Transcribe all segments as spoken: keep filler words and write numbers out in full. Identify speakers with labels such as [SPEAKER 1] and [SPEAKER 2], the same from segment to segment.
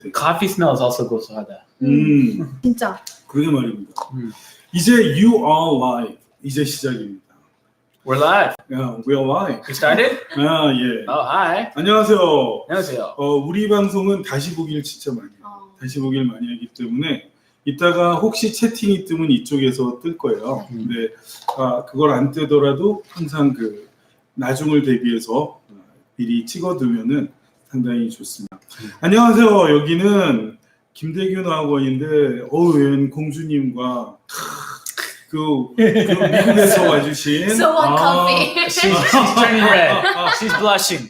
[SPEAKER 1] Coffee smells also 고소하다.
[SPEAKER 2] 음,
[SPEAKER 3] 진짜.
[SPEAKER 2] 그러게 말입니다.
[SPEAKER 1] 음.
[SPEAKER 2] 이제 You Are Live 이제 시작입니다.
[SPEAKER 1] We're live.
[SPEAKER 2] 야, We Are Live.
[SPEAKER 1] We started?
[SPEAKER 2] 아, 예.
[SPEAKER 1] Oh, hi.
[SPEAKER 2] 안녕하세요.
[SPEAKER 1] 안녕하세요.
[SPEAKER 2] 어, 우리 방송은 다시 보기를 진짜 많이 해요.
[SPEAKER 3] 어.
[SPEAKER 2] 다시 보기를 많이 하기 때문에 이따가 혹시 채팅이 뜨면 이쪽에서 뜰 거예요.
[SPEAKER 1] 음.
[SPEAKER 2] 근데 아, 그걸 안 뜨더라도 항상 그 나중을 대비해서 미리 찍어두면은 상당히 좋습니다.
[SPEAKER 1] 음.
[SPEAKER 2] 안녕하세요. 여기는 김대균 학원인데 어우, 웬 공주님과 그, 그 미국에서 와주신
[SPEAKER 3] So what coffee?
[SPEAKER 1] She's, she's turning red. She's blushing.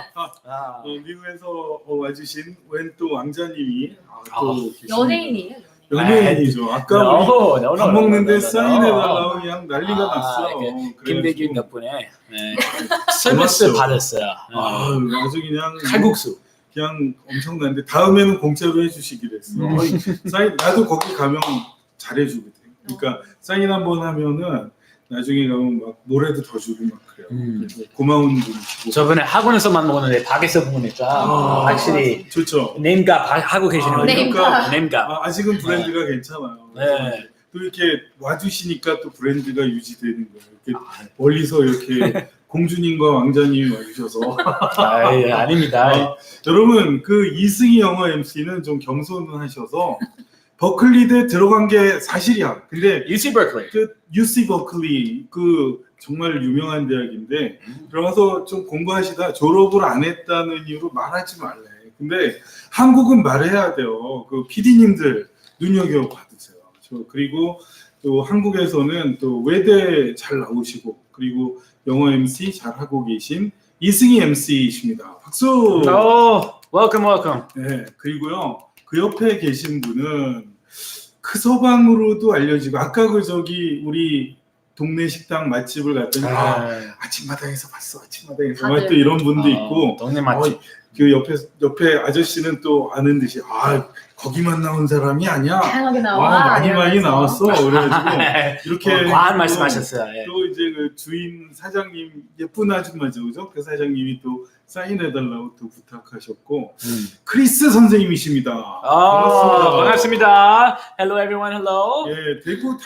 [SPEAKER 1] 아.
[SPEAKER 2] 어, 미국에서 어, 와주신 웬 또 왕자님이 아, 또
[SPEAKER 1] 아,
[SPEAKER 2] 계십니다.
[SPEAKER 3] 연예인이에요.
[SPEAKER 2] 연예인이죠. 아까
[SPEAKER 1] No,
[SPEAKER 2] 우리
[SPEAKER 1] no, no,
[SPEAKER 2] 밥
[SPEAKER 1] no,
[SPEAKER 2] 먹는데
[SPEAKER 1] no, no, no,
[SPEAKER 2] 사인해달라고
[SPEAKER 1] no.
[SPEAKER 2] 그냥 난리가
[SPEAKER 1] 아,
[SPEAKER 2] 났어.
[SPEAKER 1] 그
[SPEAKER 2] 그래가지고
[SPEAKER 1] 김대균 덕분에 네. 서비스
[SPEAKER 2] 고맙죠.
[SPEAKER 1] 받았어요.
[SPEAKER 2] 아,
[SPEAKER 1] 네.
[SPEAKER 2] 아주 그냥
[SPEAKER 1] 칼국수.
[SPEAKER 2] 그냥 엄청난데 다음에는 공짜로 해주시기로 했어.
[SPEAKER 1] 음.
[SPEAKER 2] 어이, 사인 나도 거기 가면 잘해주거든. 그러니까 사인 한번 하면은 나중에 가면 막 뭐라도 더 주고 막 그래요.
[SPEAKER 1] 음.
[SPEAKER 2] 그래서 고마운 분이시고.
[SPEAKER 1] 저번에 학원에서만 먹었는데 밖에서 보니까
[SPEAKER 2] 아,
[SPEAKER 1] 확실히
[SPEAKER 2] 좋죠.
[SPEAKER 1] 네임값 하고 계시는
[SPEAKER 2] 아,
[SPEAKER 1] 거죠.
[SPEAKER 2] 그러니까
[SPEAKER 1] 네임값.
[SPEAKER 2] 아, 아직은 브랜드가 괜찮아요.
[SPEAKER 1] 네.
[SPEAKER 2] 또 이렇게 와주시니까 또 브랜드가 유지되는 거예요. 이렇게
[SPEAKER 1] 아,
[SPEAKER 2] 멀리서 이렇게 공주님과 왕자님이 와주셔서.
[SPEAKER 1] 아, 예, 아닙니다.
[SPEAKER 2] 아, 여러분 그 이승희 영어 엠씨는 좀 겸손하셔서 버클리대 들어간 게 사실이야. 근데
[SPEAKER 1] 유씨 버클리.
[SPEAKER 2] 그 유씨 버클리 그 정말 유명한 대학인데 들어가서 좀 공부하시다 졸업을 안 했다는 이유로 말하지 말래. 근데 한국은 말해야 돼요. 그 피디님들 눈여겨 받으세요. 저 그리고 또 한국에서는 또 외대 잘 나오시고 그리고 영어 엠씨 잘 하고 계신 이승희 엠씨이십니다. 박수.
[SPEAKER 1] 오, welcome, welcome.
[SPEAKER 2] 네, 그리고요 그 옆에 계신 분은 크서방으로도 알려지고 아까 그 저기 우리 동네 식당 맛집을 갔더니 아,
[SPEAKER 1] 아,
[SPEAKER 2] 아침마당에서 봤어 아침마당에서
[SPEAKER 3] 다들.
[SPEAKER 2] 막 또 이런 분도 있고
[SPEAKER 1] 동네 맛집.
[SPEAKER 2] 어, 그 옆에 옆에 아저씨는 또 아는 듯이 아 거기만 나온 사람이 아니야.
[SPEAKER 3] 다양하게
[SPEAKER 2] 아,
[SPEAKER 3] 나와.
[SPEAKER 2] 많이 많이 나왔어. 그래가지고 이렇게
[SPEAKER 1] 어, 과한
[SPEAKER 2] 또-
[SPEAKER 1] 말씀하셨어요. 예.
[SPEAKER 2] 또 이제 그 주인 사장님 예쁜 아줌마죠, 그죠? 그 사장님이 또 사인해달라고 또 부탁하셨고
[SPEAKER 1] 음.
[SPEAKER 2] 크리스 선생님이십니다.
[SPEAKER 1] 아, 반갑습니다. Hello everyone, hello.
[SPEAKER 2] 예, 대구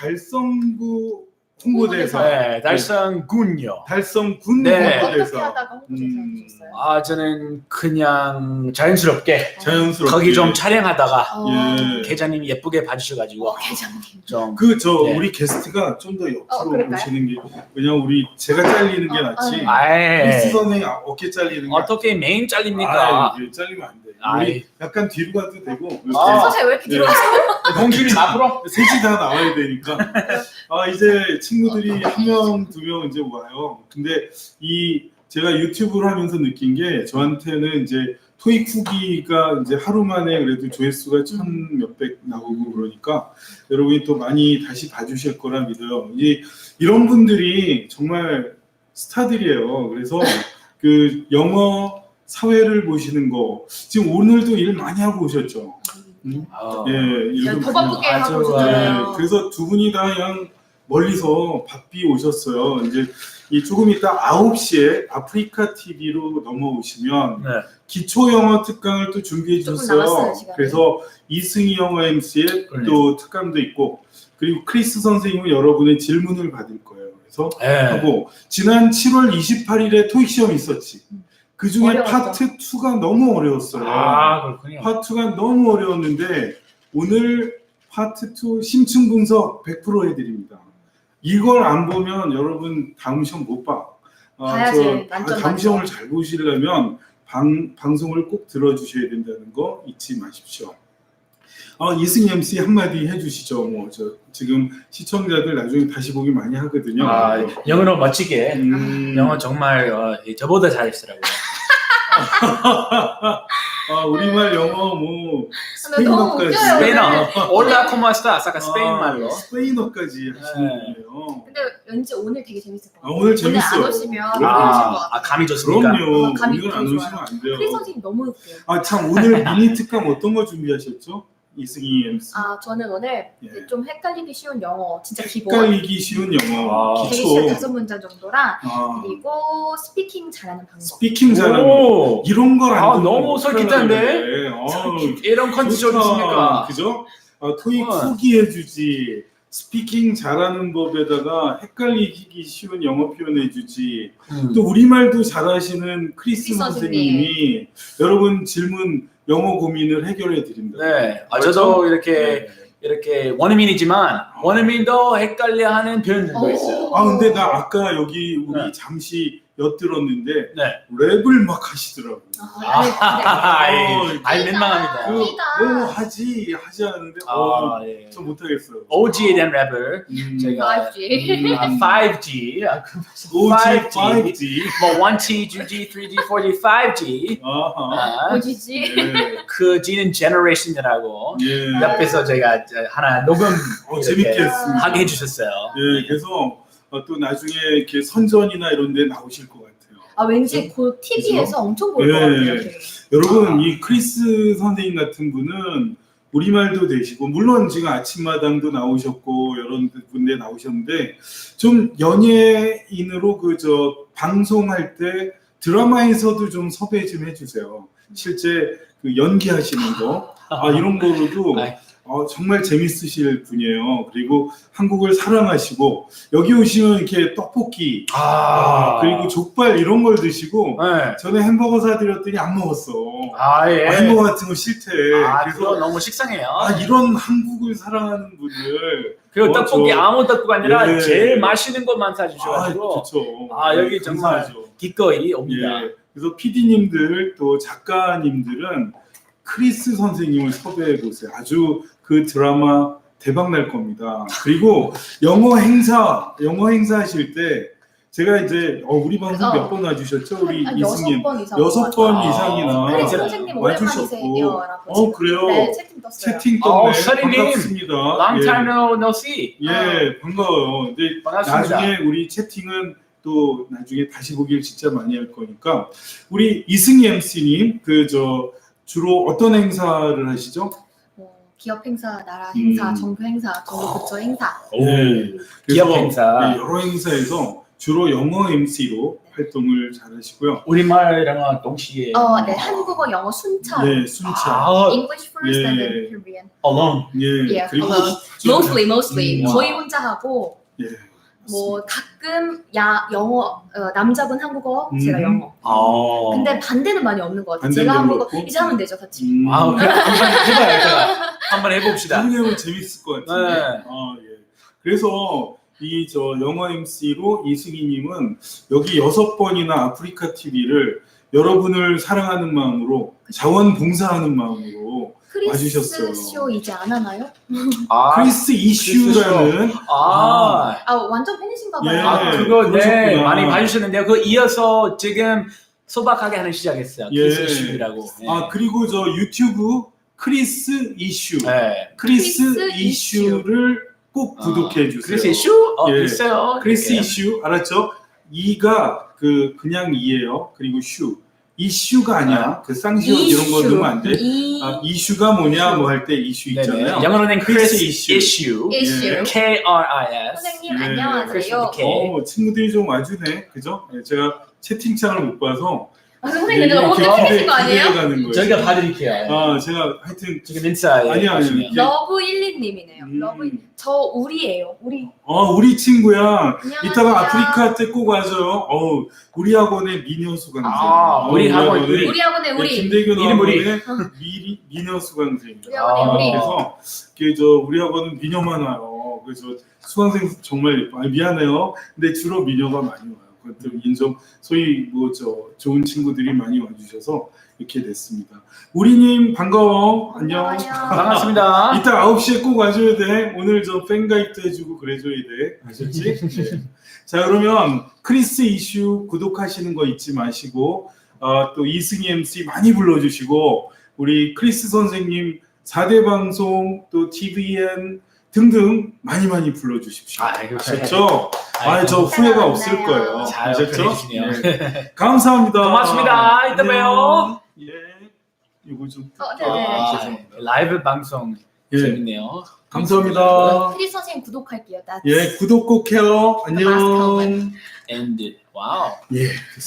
[SPEAKER 2] 달성구 홍보대사,
[SPEAKER 1] 네, 달성군요.
[SPEAKER 2] 달성군
[SPEAKER 1] 네.
[SPEAKER 3] 어떻게
[SPEAKER 2] 홍보대사.
[SPEAKER 3] 하다가 홍보대사
[SPEAKER 2] 음.
[SPEAKER 3] 하셨어요?
[SPEAKER 1] 아, 저는 그냥 자연스럽게
[SPEAKER 2] 자연스럽게
[SPEAKER 1] 거기 좀 촬영하다가
[SPEAKER 3] 어,
[SPEAKER 2] 예.
[SPEAKER 1] 계장님이 예쁘게 봐주셔가지고
[SPEAKER 3] 어, 계장님.
[SPEAKER 1] 좀
[SPEAKER 2] 그저
[SPEAKER 1] 네.
[SPEAKER 2] 우리 게스트가 좀 더
[SPEAKER 3] 어,
[SPEAKER 2] 옆으로
[SPEAKER 3] 그럴까요?
[SPEAKER 2] 보시는 게 왜냐면 우리 제가 잘리는 게
[SPEAKER 3] 어,
[SPEAKER 2] 낫지.
[SPEAKER 3] 어.
[SPEAKER 2] 크리스
[SPEAKER 1] 아이,
[SPEAKER 2] 선생님 어깨 잘리는 게
[SPEAKER 1] 어떻게 메인
[SPEAKER 2] 아,
[SPEAKER 1] 잘립니까?
[SPEAKER 2] 이게 잘리면 안 돼.
[SPEAKER 1] 아이.
[SPEAKER 2] 우리 약간 뒤로 가도 되고 이렇게
[SPEAKER 1] 아.
[SPEAKER 3] 서재 왜 이렇게
[SPEAKER 2] 예.
[SPEAKER 3] 뒤로 가세요?
[SPEAKER 1] 공주님 앞으로.
[SPEAKER 2] 셋이 다 나와야 되니까. 아 이제 친구들이 한 명, 두 명 이제 와요. 근데 이 제가 유튜브를 하면서 느낀 게 저한테는 이제 토익 후기가 이제 하루 만에 그래도 조회수가 천 몇백 나오고 그러니까 여러분이 또 많이 다시 봐주실 거라 믿어요. 이 이런 분들이 정말 스타들이에요. 그래서 그 영어 사회를 보시는 거 지금 오늘도 일 많이 하고 오셨죠. 음?
[SPEAKER 1] 어.
[SPEAKER 2] 예, 이런
[SPEAKER 3] 더 바쁘게
[SPEAKER 1] 아주,
[SPEAKER 3] 하고
[SPEAKER 2] 네,
[SPEAKER 3] 오셨잖아요.
[SPEAKER 2] 그래서 두 분이 다 그냥 멀리서 바삐 오셨어요. 이제 이 조금 이따 아홉 시에 아프리카 티비로 넘어오시면
[SPEAKER 1] 네.
[SPEAKER 2] 기초 영어 특강을 또 준비해
[SPEAKER 3] 조금
[SPEAKER 2] 주셨어요.
[SPEAKER 3] 남았어요, 시간이.
[SPEAKER 2] 그래서 이승희 영어 엠씨의
[SPEAKER 1] 그러네요.
[SPEAKER 2] 또 특강도 있고 그리고 크리스 선생님은 여러분의 질문을 받을 거예요. 그래서
[SPEAKER 1] 네.
[SPEAKER 2] 하고 지난 칠월 이십팔일에 토익 시험이 있었지. 그 중에
[SPEAKER 3] 어려웠죠.
[SPEAKER 2] 파트 이가 너무 어려웠어요.
[SPEAKER 1] 아, 그렇군요.
[SPEAKER 2] 파트 이가 너무 어려웠는데 오늘 파트 이 심층 분석 백 퍼센트 해드립니다. 이걸 안 보면 여러분 다음 시험 못 봐. 아,
[SPEAKER 3] 봐야지,
[SPEAKER 2] 저
[SPEAKER 3] 만점,
[SPEAKER 2] 다음
[SPEAKER 3] 만점.
[SPEAKER 2] 시험을 잘 보시려면 방, 방송을 꼭 들어주셔야 된다는 거 잊지 마십시오. 아, 이승희 엠씨 한마디 해주시죠. 뭐 저 지금 시청자들 나중에 다시 보기 많이 하거든요.
[SPEAKER 1] 아, 영어로 멋지게.
[SPEAKER 2] 음,
[SPEAKER 1] 영어 정말 어, 저보다 잘했더라고요.
[SPEAKER 2] 아, 우리말 영어 뭐 스페인어까지.
[SPEAKER 3] 웃겨요.
[SPEAKER 1] 스페인어. 올라 코마스타 아까 스페인 말로.
[SPEAKER 2] 아, 스페인어까지 하시는
[SPEAKER 1] 네.
[SPEAKER 2] 거예요.
[SPEAKER 3] 근데 왠지 오늘 되게 재밌을 것
[SPEAKER 2] 아,
[SPEAKER 3] 같아요.
[SPEAKER 2] 오늘
[SPEAKER 3] 안
[SPEAKER 2] 재밌어요.
[SPEAKER 3] 오시면
[SPEAKER 2] 아,
[SPEAKER 3] 모르실 것
[SPEAKER 1] 아,
[SPEAKER 3] 같아요.
[SPEAKER 1] 아 감이 좋습니까?
[SPEAKER 2] 그럼요.
[SPEAKER 3] 어, 감이
[SPEAKER 2] 오늘 안
[SPEAKER 3] 되게
[SPEAKER 2] 오시면 안 돼요.
[SPEAKER 3] 크리스 선생님 너무 웃겨요.
[SPEAKER 2] 아, 참 오늘 미니 특강 어떤 거 준비하셨죠? 이승희 엠씨.
[SPEAKER 3] 아 저는 오늘
[SPEAKER 2] 예.
[SPEAKER 3] 좀 헷갈리기 쉬운 영어 진짜 기본
[SPEAKER 2] 헷갈리기 쉬운 영어
[SPEAKER 1] 아,
[SPEAKER 3] 되게 쉬운
[SPEAKER 2] 기초.
[SPEAKER 3] 다섯 문장 정도랑
[SPEAKER 2] 아,
[SPEAKER 3] 그리고 스피킹 잘하는 방법.
[SPEAKER 2] 스피킹 잘하는 거.
[SPEAKER 1] 오,
[SPEAKER 2] 이런 걸
[SPEAKER 1] 아,
[SPEAKER 2] 안
[SPEAKER 1] 너무 솔깃한데?
[SPEAKER 2] 어,
[SPEAKER 1] 이런 컨디션 있습니까?
[SPEAKER 2] 그죠? 아, 토익
[SPEAKER 1] 어.
[SPEAKER 2] 후기 해주지. 스피킹 잘하는 법에다가 헷갈리기 쉬운 영어 표현 해주지.
[SPEAKER 1] 음.
[SPEAKER 2] 또 우리말도 잘하시는 크리스
[SPEAKER 3] 크리스
[SPEAKER 2] 선생님이 여러분 질문 영어 고민을 해결해 드립니다.
[SPEAKER 1] 네, 아,
[SPEAKER 2] 그렇죠?
[SPEAKER 1] 저도 이렇게
[SPEAKER 2] 네.
[SPEAKER 1] 이렇게 원어민이지만 원어민도 헷갈려하는 표현들도
[SPEAKER 3] 오.
[SPEAKER 1] 있어요.
[SPEAKER 2] 아 근데 나 아까 여기 우리
[SPEAKER 1] 네.
[SPEAKER 2] 잠시 엿들었는데
[SPEAKER 1] 네.
[SPEAKER 2] 랩을 막 하시더라고.
[SPEAKER 3] 아, 네,
[SPEAKER 1] 아,
[SPEAKER 2] 어,
[SPEAKER 1] 예. 아이 민망합니다.
[SPEAKER 2] 그,
[SPEAKER 3] 아니다.
[SPEAKER 2] 뭐 하지 하지 않는데 어,
[SPEAKER 1] 아, 예.
[SPEAKER 2] 저 못하겠어요.
[SPEAKER 1] 오지에 대한 랩을
[SPEAKER 2] 음,
[SPEAKER 1] 제가
[SPEAKER 3] 파이브 지.
[SPEAKER 2] 음,
[SPEAKER 1] 아, 파이브 지, 아, 그
[SPEAKER 2] 오지,
[SPEAKER 1] 파이브 지,
[SPEAKER 2] 파이브 지.
[SPEAKER 1] 뭐 원 지, 투 지, 쓰리 지, 사 지, 파이브 지.
[SPEAKER 2] 아하.
[SPEAKER 1] 아,
[SPEAKER 3] 오지지.
[SPEAKER 2] 예.
[SPEAKER 1] 그 G는 generation이라고
[SPEAKER 2] 예.
[SPEAKER 1] 옆에서 제가 하나 녹음
[SPEAKER 2] 어,
[SPEAKER 1] 이렇게
[SPEAKER 2] 재밌게 했습니다.
[SPEAKER 1] 하게 해주셨어요.
[SPEAKER 2] 예, 그래서 어, 또 나중에 이렇게 선전이나 이런 데 나오실 것 같아요.
[SPEAKER 3] 아 왠지 곧 티비에서 엄청 볼 것
[SPEAKER 2] 예.
[SPEAKER 3] 같아요. 되게.
[SPEAKER 2] 여러분, 이 크리스 선생님 같은 분은 우리말도 되시고, 물론 지금 아침마당도 나오셨고, 여러 군데 나오셨는데, 좀 연예인으로 그 저 방송할 때 드라마에서도 좀 섭외 좀 해주세요. 실제 그 연기하시는 거, 아, 이런 거로도
[SPEAKER 1] 아이.
[SPEAKER 2] 어, 정말 재밌으실 분이에요. 그리고 한국을 사랑하시고, 여기 오시면 이렇게 떡볶이, 아, 그리고 족발 이런 걸 드시고,
[SPEAKER 1] 네.
[SPEAKER 2] 전에 햄버거 사드렸더니 안 먹었어.
[SPEAKER 1] 아, 예.
[SPEAKER 2] 아, 햄버거 같은 거 싫대.
[SPEAKER 1] 아,
[SPEAKER 2] 그래서
[SPEAKER 1] 그거 너무 식상해요.
[SPEAKER 2] 아, 이런 한국을 사랑하는 분들.
[SPEAKER 1] 그리고
[SPEAKER 2] 어,
[SPEAKER 1] 떡볶이
[SPEAKER 2] 저-
[SPEAKER 1] 아무 떡볶이 아니라
[SPEAKER 2] 예.
[SPEAKER 1] 제일 맛있는 것만
[SPEAKER 2] 아,
[SPEAKER 1] 사주셔가지고
[SPEAKER 2] 좋죠.
[SPEAKER 1] 아, 여기
[SPEAKER 2] 네,
[SPEAKER 1] 정말
[SPEAKER 2] 감사하죠.
[SPEAKER 1] 기꺼이 옵니다.
[SPEAKER 2] 예. 그래서 피디님들 또 작가님들은 크리스 선생님을 섭외해 보세요. 아주 그 드라마 대박 날 겁니다. 그리고 영어 행사, 영어 행사 하실 때 제가 이제 어, 우리 방송
[SPEAKER 3] 어.
[SPEAKER 2] 몇 번 와주셨죠? 우리
[SPEAKER 3] 한
[SPEAKER 2] 이승님
[SPEAKER 3] 여섯 번 이상.
[SPEAKER 2] 여섯 번
[SPEAKER 1] 아,
[SPEAKER 2] 이상이나
[SPEAKER 3] 크리스
[SPEAKER 1] 아,
[SPEAKER 3] 선생님
[SPEAKER 2] 와주셨고.
[SPEAKER 3] 오랜만이세요라고.
[SPEAKER 2] 어, 그래요?
[SPEAKER 3] 네 채팅 떴어요.
[SPEAKER 2] 채팅
[SPEAKER 1] 어,
[SPEAKER 2] 떴네.
[SPEAKER 1] 서린님.
[SPEAKER 2] 반갑습니다.
[SPEAKER 1] Long
[SPEAKER 2] 예.
[SPEAKER 1] time no, no see.
[SPEAKER 2] 예, 반가워요. 근데
[SPEAKER 1] 반갑습니다.
[SPEAKER 2] 나중에 우리 채팅은 또 나중에 다시 보기를 진짜 많이 할 거니까 우리 이승희 엠씨님 그 저 주로 어떤 행사를 하시죠?
[SPEAKER 3] 뭐, 기업 행사, 나라 행사,
[SPEAKER 2] 음.
[SPEAKER 3] 정부 행사, 정부 부처 행사.
[SPEAKER 1] 오,
[SPEAKER 2] 네.
[SPEAKER 1] 기업
[SPEAKER 2] 그래서,
[SPEAKER 1] 행사.
[SPEAKER 2] 네, 여러 행사에서 주로 영어 엠씨로 활동을 잘 하시고요.
[SPEAKER 1] 우리말이랑 동시에.
[SPEAKER 3] 어, 네 한국어, 영어 순차.
[SPEAKER 2] 네, 순차.
[SPEAKER 1] 아,
[SPEAKER 3] English first and then
[SPEAKER 2] 예.
[SPEAKER 3] Korean.
[SPEAKER 1] alone.
[SPEAKER 2] 예,
[SPEAKER 3] Yeah,
[SPEAKER 2] 그리고
[SPEAKER 3] alone.
[SPEAKER 2] 좀-
[SPEAKER 3] Mostly, mostly.
[SPEAKER 2] 음,
[SPEAKER 3] 거의 혼자 하고
[SPEAKER 2] 예,
[SPEAKER 3] 뭐 가끔 야 영어 어, 남자분 한국어,
[SPEAKER 2] 음.
[SPEAKER 3] 제가 영어.
[SPEAKER 1] 아.
[SPEAKER 3] 근데 반대는 많이 없는 것 같아요.
[SPEAKER 2] 반대는
[SPEAKER 3] 제가
[SPEAKER 2] 별로
[SPEAKER 3] 한국어
[SPEAKER 2] 없고?
[SPEAKER 3] 이제 하면 되죠, 같이.
[SPEAKER 2] 음,
[SPEAKER 1] 아, 그래 한번 해봐요. 제가. 한번 해봅시다.
[SPEAKER 2] 해보면 재밌을 것 같은데.
[SPEAKER 1] 네.
[SPEAKER 2] 아, 예. 그래서 이 저 영어 엠씨로 이승희님은 여기 여섯 번이나 아프리카 티비를 여러분을 사랑하는 마음으로 자원봉사하는 마음으로 와주셨어요.
[SPEAKER 3] 크리스 쇼 이제 안 하나요?
[SPEAKER 1] 아,
[SPEAKER 2] 크리스 이슈라는
[SPEAKER 1] 아,
[SPEAKER 3] 아 완전 팬이신가 봐요.
[SPEAKER 2] 예.
[SPEAKER 1] 아, 그거 네
[SPEAKER 2] 그러셨구나.
[SPEAKER 1] 많이 봐주셨는데요. 그 이어서 지금 소박하게 하는 시작했어요.
[SPEAKER 2] 예.
[SPEAKER 1] 키스 이슈라고. 네.
[SPEAKER 2] 아 그리고 저 유튜브 크리스 이슈
[SPEAKER 1] 네.
[SPEAKER 2] 크리스,
[SPEAKER 3] 크리스
[SPEAKER 2] 이슈를 꼭 구독해 주세요.
[SPEAKER 1] 크리스 이슈? 어,
[SPEAKER 2] 예.
[SPEAKER 1] 있어요.
[SPEAKER 2] 크리스
[SPEAKER 1] 이렇게.
[SPEAKER 2] 이슈 알았죠? 이가 그 그냥 이예요. 그리고 슈 이슈가 아니야. 그 쌍시옷 이런 거 넣으면 안 돼.
[SPEAKER 3] 이
[SPEAKER 2] 아, 이슈가 뭐냐 뭐 할 때 이슈
[SPEAKER 1] 네네.
[SPEAKER 2] 있잖아요.
[SPEAKER 1] 영어로는
[SPEAKER 2] 크리스
[SPEAKER 1] 크리스
[SPEAKER 2] 이슈.
[SPEAKER 1] 이슈.
[SPEAKER 3] 이슈.
[SPEAKER 2] 예.
[SPEAKER 1] K R I S.
[SPEAKER 3] 선생님
[SPEAKER 2] 네.
[SPEAKER 3] 안녕하세요.
[SPEAKER 1] 크리스
[SPEAKER 2] 어, 친구들이 좀 와주네. 그죠? 네, 제가 채팅창을 못 봐서
[SPEAKER 3] 아, 선생님 근데 너무
[SPEAKER 2] 기대-
[SPEAKER 3] 팬이신 거 아니에요?
[SPEAKER 2] 기대가는 거예요.
[SPEAKER 1] 저희가 봐드릴게요.
[SPEAKER 2] 아, 제가 하여튼
[SPEAKER 1] 지금 인사에.
[SPEAKER 2] 아니요, 아니요.
[SPEAKER 1] 보시면.
[SPEAKER 2] 이게-
[SPEAKER 3] 러브 일리님이네요.
[SPEAKER 2] 음.
[SPEAKER 3] 러브 저 우리예요. 우리
[SPEAKER 2] 어, 우리 친구야.
[SPEAKER 3] 안녕하세요.
[SPEAKER 2] 이따가 아프리카 때 꼭 와줘요. 어우, 우리 학원의 미녀 수강생.
[SPEAKER 1] 아,
[SPEAKER 2] 어,
[SPEAKER 1] 우리 학원, 우리.
[SPEAKER 3] 우리 학원의
[SPEAKER 2] 네,
[SPEAKER 3] 우리
[SPEAKER 2] 김대균
[SPEAKER 1] 이름 우리.
[SPEAKER 2] 학원의 미, 미녀 수강생.
[SPEAKER 3] 우리 학원의
[SPEAKER 1] 아.
[SPEAKER 3] 우리
[SPEAKER 2] 그래서 그 저 우리 학원은 미녀만 와요. 그래서 수강생 정말 예뻐. 아, 미안해요. 근데 주로 미녀가 많이 와요. 그것도 인정. 소위 뭐 저 좋은 친구들이 많이 와주셔서 이렇게 됐습니다. 우리님 반가워. 안녕.
[SPEAKER 3] 안녕.
[SPEAKER 1] 반갑습니다.
[SPEAKER 2] 이따 아홉 시에 꼭 와줘야 돼. 오늘 저 팬가입도 해주고 그래줘야 돼. 아셨지? 네. 자 그러면 크리스 이슈 구독하시는 거 잊지 마시고 어, 또 이승희 엠씨 많이 불러주시고 우리 크리스 선생님 사 대 방송 또 티비엔 등등 많이 많이 불러주십시오.
[SPEAKER 1] 아, 이거
[SPEAKER 2] 아셨죠? 아,
[SPEAKER 1] 아이고.
[SPEAKER 2] 저 후회가
[SPEAKER 3] 만나요.
[SPEAKER 2] 없을 거예요.
[SPEAKER 1] 잘
[SPEAKER 2] 아셨죠?
[SPEAKER 1] 그래주시네요.
[SPEAKER 2] 네. 감사합니다.
[SPEAKER 1] 고맙습니다. 이따
[SPEAKER 2] 안녕.
[SPEAKER 1] 봬요.
[SPEAKER 2] 예. 이거 좀.
[SPEAKER 3] 어, 네네.
[SPEAKER 1] 아,
[SPEAKER 2] 죄송합니다.
[SPEAKER 1] 라이브 방송
[SPEAKER 2] 예,
[SPEAKER 1] 재밌네요.
[SPEAKER 2] 감사합니다.
[SPEAKER 3] 피디 선생님 구독할게요. That's
[SPEAKER 2] 예, 구독 꼭 해요. 안녕.
[SPEAKER 3] last comment.
[SPEAKER 1] And wow.
[SPEAKER 2] 예.